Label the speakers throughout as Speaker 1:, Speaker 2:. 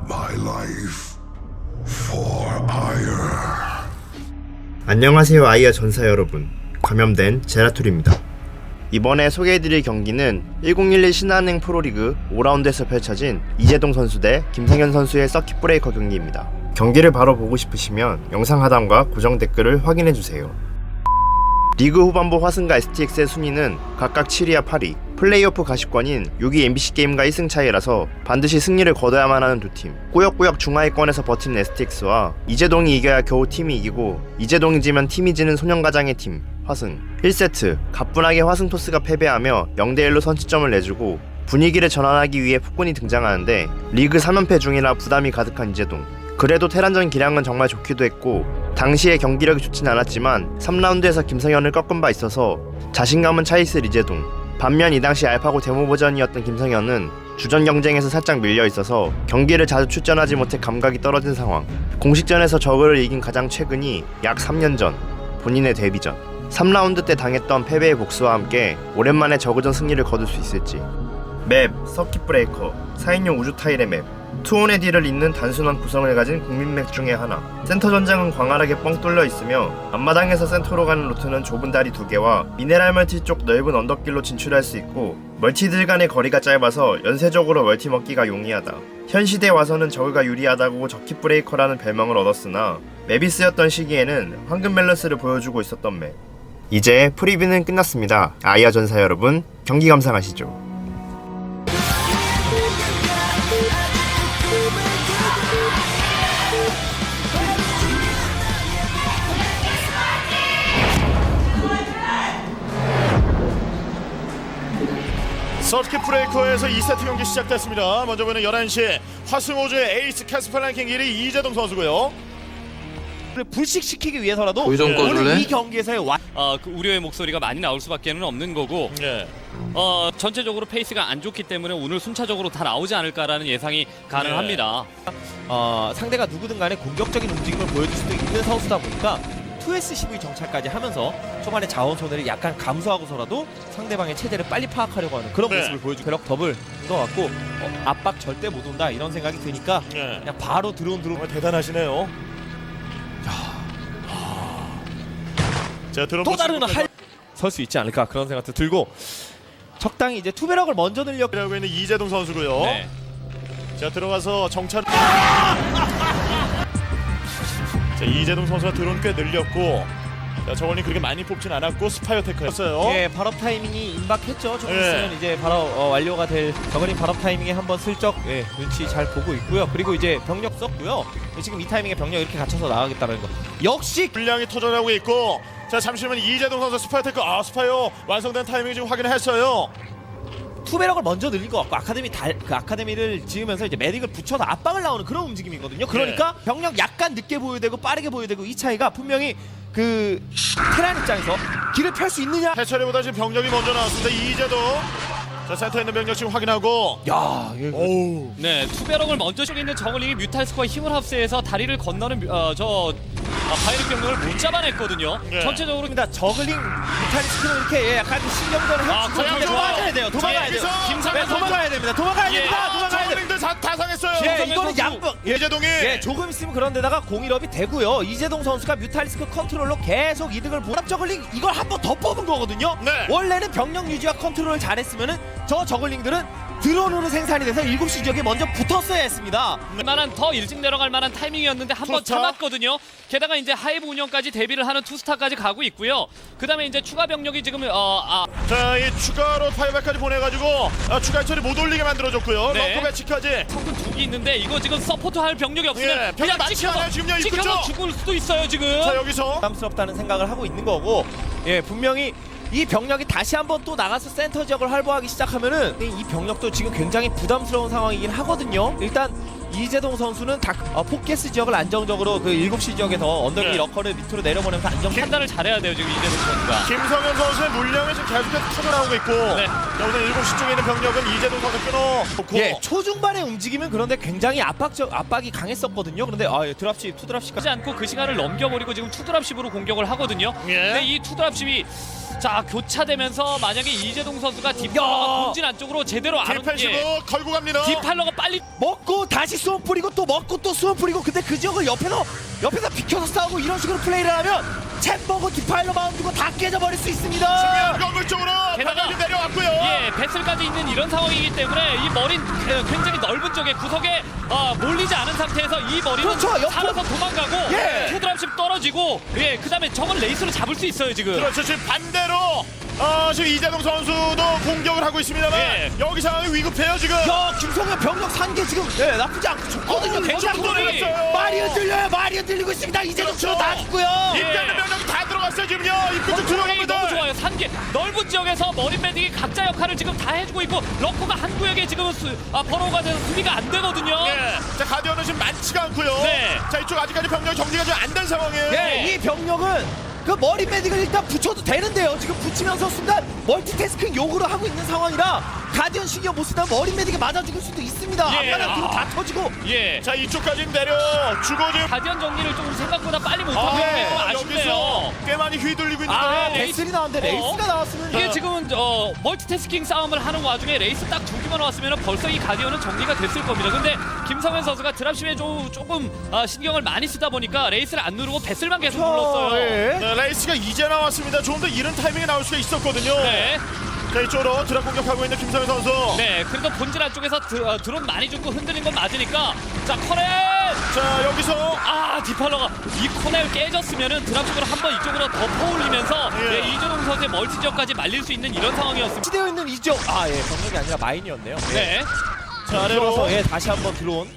Speaker 1: my life for Ire.
Speaker 2: 안녕하세요 아이어 전사 여러분, 감염된 제라툴입니다. 이번에 소개해드릴 경기는 1011 신한은행 프로리그 5라운드에서 펼쳐진 이재동 선수 대 김성현 선수의 서킷 브레이커 경기입니다. 경기를 바로 보고 싶으시면 영상 하단과 고정 댓글을 확인해주세요. 리그 후반부 화승과 STX의 순위는 각각 7위와 8위, 플레이오프 가시권인 6위 MBC게임과 1승 차이라서 반드시 승리를 거둬야만 하는 두 팀. 꾸역꾸역 중하위권에서 버티는 STX와 이재동이 이겨야 겨우 팀이 이기고 이재동이 지면 팀이 지는 소년가장의 팀 화승. 1세트 가뿐하게 화승 토스가 패배하며 0대1로 선취점을 내주고 분위기를 전환하기 위해 폭군이 등장하는데 리그 3연패 중이라 부담이 가득한 이재동. 그래도 테란전 기량은 정말 좋기도 했고 당시에 경기력이 좋진 않았지만 3라운드에서 김성현을 꺾은 바 있어서 자신감은 차있을 이재동. 반면 이 당시 알파고 데모 버전이었던 김성현은 주전 경쟁에서 살짝 밀려 있어서 경기를 자주 출전하지 못해 감각이 떨어진 상황. 공식전에서 저그를 이긴 가장 최근이 약 3년 전, 본인의 데뷔전 3라운드 때 당했던 패배의 복수와 함께 오랜만에 저그전 승리를 거둘 수 있을지. 맵, 서킷 브레이커, 4인용 우주 타일의 맵, 투혼의 딜을 잇는 단순한 구성을 가진 국민맵 중의 하나. 센터 전장은 광활하게 뻥 뚫려 있으며 앞마당에서 센터로 가는 루트는 좁은 다리 2개와 미네랄 멀티 쪽 넓은 언덕길로 진출할 수 있고 멀티들 간의 거리가 짧아서 연쇄적으로 멀티 먹기가 용이하다. 현 시대에 와서는 저그가 유리하다고 저킷 브레이커라는 별명을 얻었으나 맵이 쓰였던 시기에는 황금 밸런스를 보여주고 있었던 맵. 이제 프리뷰는 끝났습니다. 아이어 전사 여러분, 경기 감상하시죠.
Speaker 3: 서킷 브레이커에서 2세트 경기 시작됐습니다. 먼저 보는 11시 화승호주의 에이스 캐스퍼 랭킹 1위 이재동 선수고요.
Speaker 4: 불식시키기 위해서라도
Speaker 5: 좀 꺼줄래?
Speaker 4: 오늘 이 경기에서의
Speaker 6: 그 우려의 목소리가 많이 나올 수밖에는 없는 거고
Speaker 3: 네.
Speaker 6: 전체적으로 페이스가 안 좋기 때문에 오늘 순차적으로 다 나오지 않을까라는 예상이 가능합니다.
Speaker 4: 상대가 누구든 간에 공격적인 움직임을 보여줄 수도 있는 선수다 보니까 2S12 정찰까지 하면서 초반에 자원 손해를 약간 감소하고서라도 상대방의 체제를 빨리 파악하려고 하는 그런
Speaker 3: 네.
Speaker 4: 모습을 보여주고 벼락 더블인 것 같고 압박 절대 못 온다 이런 생각이 드니까
Speaker 3: 네.
Speaker 4: 그냥 바로 드론
Speaker 3: 정말 대단하시네요. 자, 드론
Speaker 4: 또 다른 설 수 있지 않을까 그런 생각도 들고 적당히 이제 투배럭을 먼저 늘려고
Speaker 3: 하고 있는 이재동 선수고요.
Speaker 6: 네.
Speaker 3: 자, 들어가서 정찰. 자, 이재동 선수가 드론 꽤 늘렸고, 자, 저걸링 그렇게 많이 뽑진 않았고 스파이어 테크였어요.
Speaker 4: 예, 발업 타이밍이 임박했죠. 조금
Speaker 3: 예.
Speaker 4: 있으면 이제 바로 완료가 될 저거린 발업 타이밍에 한번 슬쩍 눈치 잘 보고 있고요. 그리고 이제 병력 썼고요. 지금 이 타이밍에 병력 이렇게 갖춰서 나가겠다는 거. 역시
Speaker 3: 분량이 터져나오고 있고, 자, 잠시만 이재동 선수 스파이어 테크, 스파이어 완성된 타이밍 지금 확인을 했어요.
Speaker 4: 투배럭을 먼저 늘린 것 같고 그 아카데미를 지으면서 이제 메딕을 붙여서 압박을 나오는 그런 움직임이거든요. 그러니까 병력 약간 늦게 보여야 되고 빠르게 보여야 되고 이 차이가 분명히 그 테란 입장에서 길을 펼 수 있느냐.
Speaker 3: 해처리보다 지금 병력이 먼저 나왔습니다. 이재동. 자, 센터에 있는 병력 지금 확인하고.
Speaker 4: 야,
Speaker 3: 오우.
Speaker 6: 네, 투베럭을 먼저 쪽에 있는 저글링이 뮤탈스코어 힘을 합세해서 다리를 건너는 바이릭 병력을 못 잡아냈거든요.
Speaker 3: 네.
Speaker 6: 전체적으로
Speaker 4: 그러니까 저글링 뮤탈리스크는 이렇게 약간 신경전을 해주고
Speaker 6: 그냥
Speaker 4: 도망가야 돼요. 도망가야 돼요.
Speaker 6: 김상현 선수.
Speaker 4: 도망가야 됩니다. 도망가야 됩니다. 도망가야 됩니다.
Speaker 3: 저글링들 다 상했어요.
Speaker 4: 예,
Speaker 6: 김성현
Speaker 4: 이거는
Speaker 6: 선수.
Speaker 4: 양분.
Speaker 3: 이재동이.
Speaker 4: 예, 조금 있으면 그런 데다가 공일업이 되고요. 이재동 선수가 뮤탈리스크 컨트롤로 계속 이득을 보랍 저글링 이걸 한 번 더 뽑은 거거든요.
Speaker 3: 네.
Speaker 4: 원래는 병력 유지와 컨트롤을 잘했으면은 저 저글링들은 드론으로 생산이 돼서 7시 지역에 먼저 붙었어야 했습니다.
Speaker 6: 만한 더 일찍 내려갈 만한 타이밍이었는데 한 번
Speaker 3: 투스타?
Speaker 6: 참았거든요. 게다가 이제 하이브 운영까지 대비를 하는 투스타까지 가고 있고요. 그다음에 이제 추가 병력이 지금
Speaker 3: 자, 이 추가로 파이어백까지 보내가지고 추가 처리 못 올리게 만들어줬고요.
Speaker 6: 네.
Speaker 3: 럭커 배치까지.
Speaker 6: 성분 2개 있는데 이거 지금 서포트 할 병력이 없으면
Speaker 3: 예, 병력 많지 않아요, 지금요.
Speaker 6: 찍혀서 죽을 수도 있어요 지금.
Speaker 3: 자, 여기서
Speaker 4: 부담스럽다는 생각을 하고 있는 거고, 예, 분명히 이 병력이 다시 한번 또 나가서 센터 지역을 활보하기 시작하면은 이 병력도 지금 굉장히 부담스러운 상황이긴 하거든요. 일단 이재동 선수는 포켓스 지역을 안정적으로 그 7시 지역에서 언덕이
Speaker 3: 네.
Speaker 4: 러커를 밑으로 내려보내면서
Speaker 6: 판단을 잘해야 돼요 지금 이재동 선수가.
Speaker 3: 김성현 선수의 물량이 지금 계속해서 터져나오고 있고,
Speaker 6: 네.
Speaker 3: 여기서 7시 쪽에 있는 병력은 이재동 선수 끊어놓고.
Speaker 4: 예, 초중반의 움직임은 그런데 굉장히 압박이 강했었거든요. 그런데 드랍십, 투드랍십까지
Speaker 6: 하지 않고 그 시간을 넘겨버리고 지금 투드랍십으로 공격을 하거든요.
Speaker 3: 예.
Speaker 6: 근데 이 투드랍십이 자 교차되면서 만약에 이재동 선수가 딥팔러가 본진 안쪽으로 제대로 안 오는 게
Speaker 3: 딥패시고 걸고 갑니다.
Speaker 6: 딥팔러가 빨리
Speaker 4: 먹고 다시 수원 뿌리고 또 먹고 또 수원 뿌리고 근데 그 지역을 옆에서 비켜서 싸우고 이런 식으로 플레이를 하면 챔버고 디파일러 마운드고 다 깨져버릴 수 있습니다.
Speaker 3: 건물 쪽으로
Speaker 6: 게다가
Speaker 3: 방향이 내려왔고요.
Speaker 6: 예, 배슬까지 있는 이런 상황이기 때문에 이 머린 굉장히 넓은 쪽에 구석에 몰리지 않은 상태에서 이 머리는
Speaker 4: 그렇죠, 옆으로.
Speaker 6: 살아서 도망가고
Speaker 4: 예.
Speaker 6: 투드랍십 떨어지고 예, 그다음에 저걸 레이스로 잡을 수 있어요 지금.
Speaker 3: 그렇죠. 지금 반대로 지금 이재동 선수도 공격을 하고 있습니다만
Speaker 6: 예.
Speaker 3: 여기 상황이 위급해요 지금.
Speaker 4: 야 김성현 병력 산게 지금 나쁘지 않고 좋거든요.
Speaker 3: 좀 돌아갔어요.
Speaker 4: 말이 흔들려요. 말이 흔들리고 있습니다. 이제는
Speaker 3: 그렇죠.
Speaker 4: 다 죽고요.
Speaker 6: 예.
Speaker 3: 입장의 명령이 다 들어갔어요 지금요. 입구 쪽
Speaker 6: 컨트롤이
Speaker 3: 들어갑니다.
Speaker 6: 너무 좋아요. 산계 넓은 지역에서 머린 매딩이 각자 역할을 지금 다 해주고 있고 러커가 한 구역에 지금 번호가 돼서 수비가 안 되거든요.
Speaker 3: 예. 자 가디언은 지금 많지가 않고요.
Speaker 6: 네.
Speaker 3: 자 이쪽 아직까지 병력 정리가 좀 안 된 상황이에요.
Speaker 4: 예, 이 병력은 그 머리 매딩을 일단 붙여도 되는데요. 지금 붙이면서 순간 멀티태스킹 요구를 하고 있는 상황이라 가디언 신경 못 쓰다 머리 매딩에 맞아 죽을 수도 있습니다.
Speaker 6: 예.
Speaker 4: 앞마당 뒤로 다 터지고.
Speaker 6: 예.
Speaker 3: 자 이쪽까지 내려주고 지금
Speaker 6: 가디언 정리를 좀 생각보다 빨리 못하고
Speaker 3: 네.
Speaker 6: 있는 건 아쉽네요.
Speaker 3: 여기서 꽤 많이 휘둘리고 있는데
Speaker 6: 아, 네.
Speaker 4: 베슬이 나왔는데 레이스가 나왔으면
Speaker 6: 이게 지금은 멀티태스킹 싸움을 하는 와중에 레이스 딱 두 개만 왔으면 벌써 이 가디언은 정리가 됐을 겁니다. 근데 김성현 선수가 드랍심에 조금 신경을 많이 쓰다 보니까 레이스를 안 누르고 배슬만 계속 눌렀어요.
Speaker 4: 예.
Speaker 3: 네, 레이스가 이제 나왔습니다. 조금 더 이른 타이밍에 나올 수가 있었거든요.
Speaker 6: 네.
Speaker 3: 자 이쪽으로 드랍 공격하고 있는 김성현 선수.
Speaker 6: 네, 그래도 본질 안쪽에서 드론 많이 죽고 흔들린 건 맞으니까 자 커넬
Speaker 3: 자 여기서
Speaker 6: 디팔러가 이 코넬 깨졌으면은 드랍식으로 한번 이쪽으로 더 퍼올리면서
Speaker 3: 예.
Speaker 6: 예, 이재동 선수의 멀티 지역까지 말릴 수 있는 이런 상황이었습니다.
Speaker 4: 치되어 있는 이 지역 병력이 아니라 마인이었네요.
Speaker 6: 네,
Speaker 3: 자
Speaker 4: 들어와서
Speaker 3: 아래로
Speaker 4: 다시 한번 들어온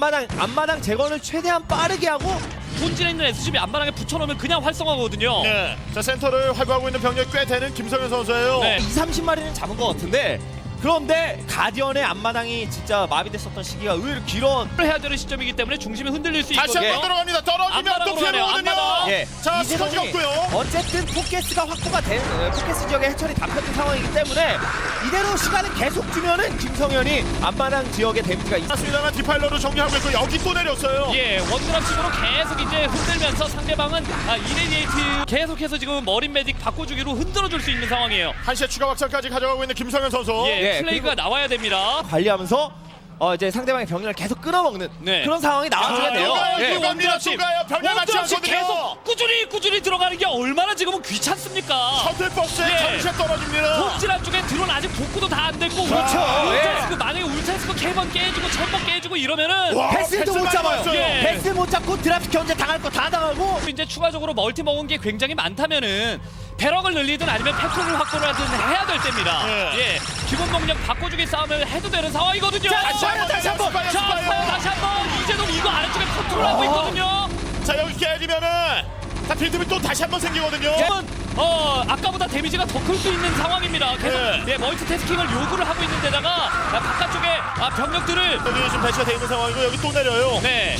Speaker 4: 앞마당 제거를 최대한 빠르게 하고
Speaker 6: 본질에 있는 SCB 앞마당에 붙여놓으면 그냥 활성화거든요.
Speaker 3: 네. 자 센터를 활보하고 있는 병력이 꽤 되는 김성현 선수예요.
Speaker 6: 네.
Speaker 4: 20-30마리는 잡은 것 같은데 그런데 가디언의 앞마당이 진짜 마비됐었던 시기가 의외로 길어.
Speaker 6: 해야 되는 시점이기 때문에 중심이 흔들릴 수
Speaker 3: 다시
Speaker 6: 있거든요.
Speaker 3: 한번 들어갑니다. 떨어지면 또
Speaker 6: 앞마당으로
Speaker 3: 피해보거든요.
Speaker 6: 가네요, 앞마당.
Speaker 4: 예,
Speaker 3: 자
Speaker 4: 이재동이
Speaker 3: 스커지 없고요.
Speaker 4: 어쨌든 포켓스가 확보가 된 포켓스 지역의 해철이 다 펴진 상황이기 때문에 이대로 시간을 계속 주면은 김성현이 앞마당 지역의 데미지가 있.
Speaker 3: 맞습니다만 디파일러로 정리하고 있고 여기 또 내렸어요.
Speaker 6: 예, 원드랍식으로 계속 이제 흔들면서 상대방은 이레디에이트 계속해서 지금 머린 매딕 바꿔주기로 흔들어줄 수 있는 상황이에요.
Speaker 3: 한시에 추가 확장까지 가져가고 있는 김성현 선수.
Speaker 6: 예,
Speaker 4: 예,
Speaker 6: 플레이가 나와야 됩니다.
Speaker 4: 관리하면서 이제 상대방의 병력을 계속 끊어먹는
Speaker 6: 네.
Speaker 4: 그런 상황이 나와줘야 돼요.
Speaker 3: 예.
Speaker 4: 예.
Speaker 3: 원드랍식 병력 맞지
Speaker 6: 원드랍식
Speaker 3: 않거든요.
Speaker 6: 계속 꾸준히 들어가는 게 얼마나 지금은 귀찮습니까?
Speaker 3: 셔틀버스에
Speaker 6: 예.
Speaker 3: 정시에 떨어집니다.
Speaker 6: 본질 안쪽에 드론 아직 복구도 다 안 됐고
Speaker 4: 그렇죠.
Speaker 6: 울트라스크 만약에 울트라스크 3번 깨지고 1000번 깨지고 이러면은
Speaker 3: 와,
Speaker 4: 패스도 못
Speaker 3: 패스
Speaker 4: 잡아요.
Speaker 3: 많이
Speaker 6: 예.
Speaker 4: 패스 못 잡고 드랍 견제 당할 거 다 당하고.
Speaker 6: 이제 추가적으로 멀티 먹은 게 굉장히 많다면은 배럭을 늘리든 아니면 팩토리를 확보를 하든 해야 될 때입니다.
Speaker 3: 예.
Speaker 6: 예, 기본 동력 바꿔주기 싸움을 해도 되는 상황이거든요.
Speaker 4: 자,
Speaker 3: 다시 한번
Speaker 4: 다시 한번.
Speaker 3: 스파이어,
Speaker 6: 자,
Speaker 3: 스파이어.
Speaker 6: 스파이어 다시 한번 이재동 이거 아래쪽에 컨트롤하고 있거든요.
Speaker 3: 자 여기 깨지면은 다 빌드비 또 다시 한번 생기거든요.
Speaker 6: 지금은 아까보다 데미지가 더 클 수 있는 상황입니다. 계속
Speaker 3: 예.
Speaker 6: 멀티태스킹을 요구를 하고 있는 데다가 바깥쪽에 병력들을
Speaker 3: 여기 지금 배치가 돼 있는 상황이고 여기 또 내려요.
Speaker 6: 네,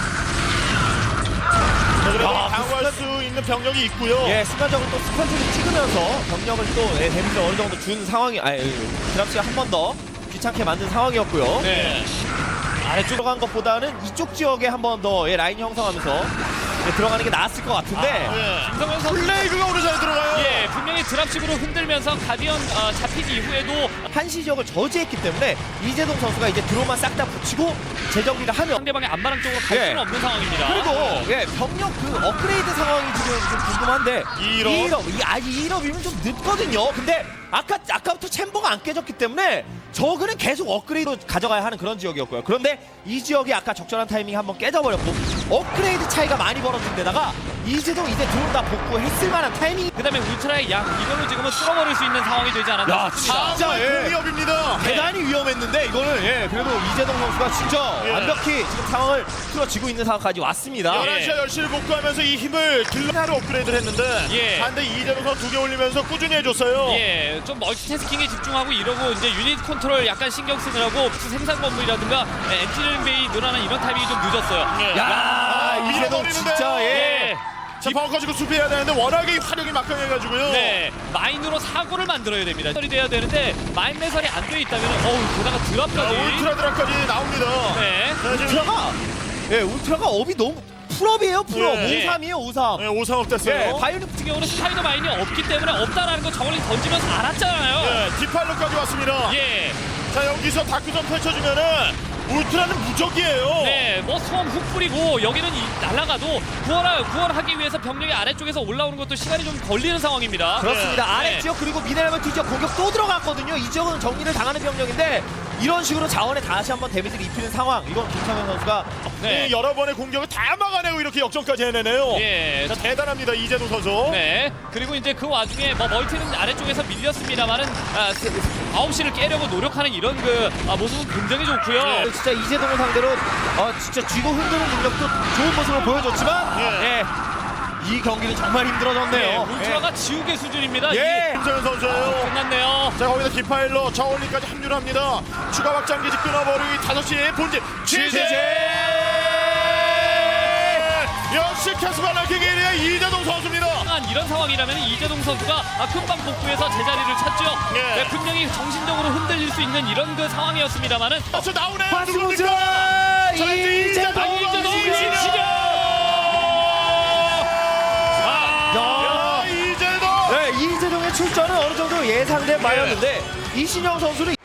Speaker 3: 자, 그래도 방어할 수 있는 병력이 있고요.
Speaker 4: 예, 순간적으로 또 스펀지를 찍으면서 병력을 또 데미지를 어느 정도 준 상황이 드랍시가 한 번 더 귀찮게 만든 상황이었고요.
Speaker 6: 네.
Speaker 4: 아래쪽 들어간 것보다는 이쪽 지역에 한 번 더 라인 형성하면서 들어가는 게 나았을 것 같은데
Speaker 3: 예.
Speaker 6: 김성현 선수
Speaker 3: 플레이그가 오늘 잘 들어가요.
Speaker 6: 예, 분명히 드랍식으로 흔들면서 가디언 잡히기 이후에도
Speaker 4: 한시 지역을 저지했기 때문에 이재동 선수가 이제 드론만 싹 다 붙이고 재정비를 하면
Speaker 6: 상대방의 안마랑 쪽으로 갈
Speaker 4: 예.
Speaker 6: 수는 없는 상황입니다.
Speaker 4: 그리고 병력 그 업그레이드 상황이 지금 좀 궁금한데
Speaker 3: 2일업.
Speaker 4: 2일업이면 좀 늦거든요. 근데 아까부터 챔버가 안 깨졌기 때문에 저그는 계속 업그레이드로 가져가야 하는 그런 지역이었고요. 그런데 이 지역이 아까 적절한 타이밍에 한번 깨져버렸고 업그레이드 차이가 많이 벌어진 데다가 이재동 이제 드론 다 복구했을 만한 타이밍이
Speaker 6: 그다음에 울트라의 양 이걸로 지금은 쓸어버릴 수 있는 상황이 되지 않았나
Speaker 4: 야,
Speaker 6: 싶습니다.
Speaker 4: 진짜, 예.
Speaker 3: 공이업입니다.
Speaker 4: 대단히 위험했는데 이거는 그래도 이재동 선수가 진짜
Speaker 3: 예.
Speaker 4: 완벽히 지금 상황을 틀어지고 있는 상황까지 왔습니다.
Speaker 3: 11시와 10시를 복구하면서 이 힘을 길러나로 업그레이드를 했는데
Speaker 6: 예.
Speaker 3: 반대 이재동 선수 2개 올리면서 꾸준히 해줬어요.
Speaker 6: 예, 좀 멀티태스킹에 집중하고 이러고 이제 유닛 컨트롤 약간 신경 쓰느라고 생산 건물이라든가 엔지니어링 베이 늘어나는 이런 타이밍이 좀 늦었어요.
Speaker 3: 예.
Speaker 4: 야, 이재동
Speaker 3: 밀어버리는데요.
Speaker 4: 진짜
Speaker 6: 예.
Speaker 3: 자 벙커 지고 수비해야 되는데 워낙에 이 화력이 막강해가지고요.
Speaker 6: 네, 마인으로 사고를 만들어야 됩니다. 이 돼야 되는데 마인 매설이 안 돼 있다면 게다가
Speaker 3: 자,
Speaker 6: 드랍까지.
Speaker 3: 울트라 드랍까지 나옵니다.
Speaker 6: 네.
Speaker 3: 자, 지금
Speaker 4: 울트라가 업이 너무 풀업이에요. 풀업.
Speaker 3: 예.
Speaker 4: 53이에요. 53.
Speaker 3: 네, 5상업 됐어요.
Speaker 4: 바이오닉
Speaker 6: 같은 경우는 스파이더 마인이 없기 때문에 없다라는 거 저걸링 던지면서 알았잖아요.
Speaker 3: 네, 디팔로까지 왔습니다.
Speaker 6: 예.
Speaker 3: 자 여기서 다크전 펼쳐주면은 울트라는 무적이에요.
Speaker 6: 네, 뭐 소음 훅 뿌리고 여기는 날아가도 구원하기 위해서 병력이 아래쪽에서 올라오는 것도 시간이 좀 걸리는 상황입니다.
Speaker 4: 그렇습니다.
Speaker 6: 네.
Speaker 4: 아래 지역 그리고 미네랄 뒤 지역 공격 또 들어갔거든요. 이 지역은 정리를 당하는 병력인데 이런 식으로 자원에 다시 한번 데미지를 입히는 상황. 이건 김성현 선수가
Speaker 6: 네.
Speaker 3: 여러 번의 공격을 다 막아내고 이렇게 역전까지 해내네요.
Speaker 6: 예.
Speaker 3: 자, 대단합니다 이재동 선수.
Speaker 6: 네. 그리고 이제 그 와중에 뭐 멀티는 아래쪽에서 밀렸습니다만은 9시를 깨려고 노력하는 이런 모습은 굉장히 좋고요.
Speaker 4: 진짜 이재동을 상대로 진짜 쥐고 흔드는 능력도 좋은 모습을 보여줬지만
Speaker 3: 예.
Speaker 4: 이 경기는 정말
Speaker 6: 네,
Speaker 4: 힘들어졌네요.
Speaker 6: 울트라가 지우개 수준입니다.
Speaker 4: 예.
Speaker 3: 김성현 선수예요.
Speaker 6: 끝났네요.
Speaker 3: 자 거기서 디파일러 저울리까지 합류를 합니다. 추가 확장기지 끊어버리기 5시에 본진 취재. 역시 캐스파 랭킹 1위의 이재동 선수입니다.
Speaker 6: 이런 상황이라면 이재동 선수가 금방 복구해서 제자리를 찾죠.
Speaker 3: 예.
Speaker 6: 네, 분명히 정신적으로 흔들릴 수 있는 이런 그 상황이었습니다만은
Speaker 3: 박수 나오네.
Speaker 4: 화수고자 이재동
Speaker 3: 이재동.
Speaker 4: 네, 이재동의 출전은 어느 정도 예상된 바였는데 이신영 선수는